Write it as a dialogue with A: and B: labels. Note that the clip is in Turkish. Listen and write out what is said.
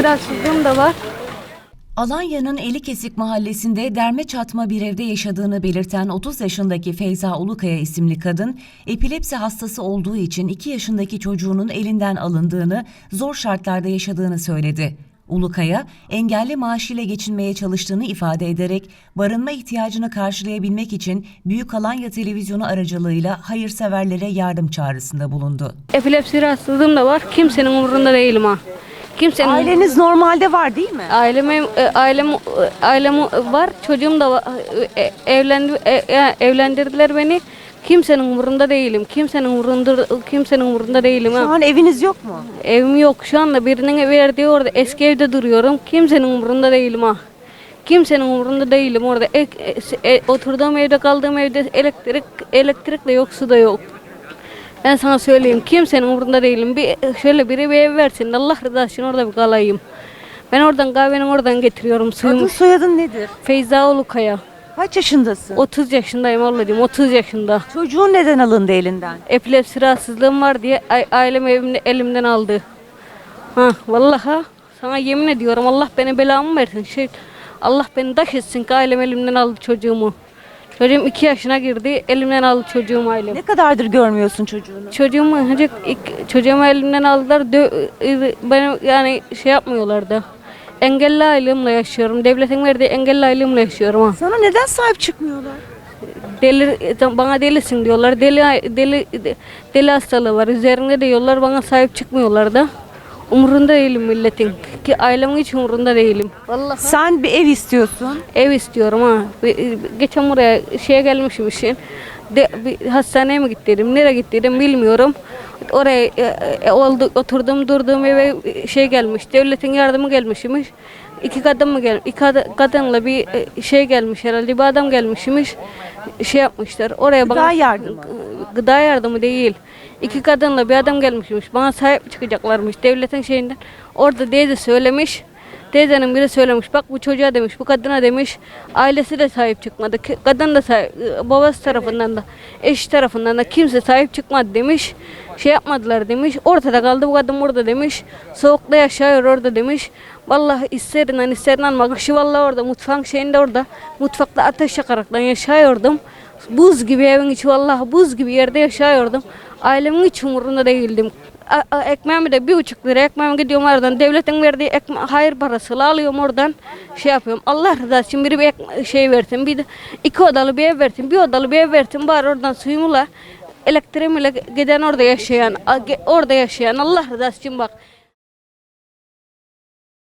A: rahatsızlığım da var.
B: Alanya'nın Elikesik mahallesinde derme çatma bir evde yaşadığını belirten 30 yaşındaki Feyza Ulukaya isimli kadın, epilepsi hastası olduğu için 2 yaşındaki çocuğunun elinden alındığını, zor şartlarda yaşadığını söyledi. Ulukaya, engelli maaşıyla geçinmeye çalıştığını ifade ederek barınma ihtiyacını karşılayabilmek için Büyük Alanya Televizyonu aracılığıyla hayırseverlere yardım çağrısında bulundu.
A: Epilepsi rahatsızlığım da var. Kimsenin umurunda değilim ha. Kimsenin
C: Aileniz normalde var değil mi?
A: Ailem var. Çocuğum da var. Evlendirdiler beni. Kimsenin umurunda değilim. Kimsenin umurunda değilim
C: Şu
A: ha.
C: an eviniz yok mu?
A: Evim yok. Şu anda birinin verdiği orada eski evde duruyorum. Kimsenin umurunda değilim ha. Kimsenin umurunda değilim orada. Oturduğum evde, kaldığım evde elektrik de yok, su da yok. Ben sana söyleyeyim, kimsenin umurunda değilim. Şöyle biri bir ev versin, Allah rızası için orada bir kalayım. Ben oradan kahveni oradan getiriyorum suyumu.
C: Adın soyadın nedir?
A: Feyza Ulukaya.
C: Kaç yaşındasın?
A: 30 yaşındayım ablacığım, 30 yaşında.
C: Çocuğun neden alındı elinden?
A: Epilepsi rahatsızlığım var diye ailem elimden aldı. Vallahi sana yemin ediyorum, Allah beni belamı versin. Allah beni taş etsin ki ailem elimden aldı çocuğumu. Çocuğum 2 yaşına girdi, elimden aldı çocuğumu ailem.
C: Ne kadardır görmüyorsun çocuğunu?
A: Çocuğumu elimden aldılar. Beni yani şey yapmıyorlardı. Engelli aylığımla yaşıyorum. Devletin verdiği engelli aylığımla yaşıyorum ha.
C: Sana neden sahip çıkmıyorlar?
A: Bana delisin diyorlar. Deli hastalığı var. Üzerinde diyorlar, bana sahip çıkmıyorlar da. Umurunda değilim milletin. Ki ailemin hiç umurunda değilim. Vallahi
C: Sen bir ev istiyorsun.
A: ev istiyorum ha. Geçen buraya gelmişim işin. Bir hastaneye mi gittim, nereye gittim bilmiyorum. Oraya durduğum eve gelmiş. Devletin yardımı gelmişmiş. İki kadınla bir gelmiş herhalde. Bir adam gelmişmiş. Yapmışlar. Oraya
C: Gıda yardımı.
A: Gıda yardımı değil. 2 kadınla bir adam gelmişmiş. Bana sahip çıkacaklarmış devletin şeyinden. Orada teyze söylemiş. Teyzenin biri söylemiş. Bak bu çocuğa demiş, bu kadına demiş. Ailesi de sahip çıkmadı. Kadın da babası tarafından da, eşi tarafından da kimse sahip çıkmadı demiş. Yapmadılar demiş. Ortada kaldı bu kadın burada demiş. Soğukta yaşıyor orada demiş. Vallahi ister bak kışı vallahi orada mutfağın şeyinde orada. Mutfakta ateş yakaraktan yaşıyordum. Buz gibi evin içi, vallahi buz gibi yerde yaşıyordum. Ailemin hiç umurunda değildim. Ekmeğimi de 1,5 lira ekmeğimi gidiyorum oradan. Devletin verdiği hayır parasıyla alıyorum oradan. Yapıyorum. Allah rızası için biri bir versin. Bir de 2 odalı bir ev versin. Bir odalı bir ev versin. Bari oradan suyumla, elektriğimle giden orada yaşayan Allah rızası için bak.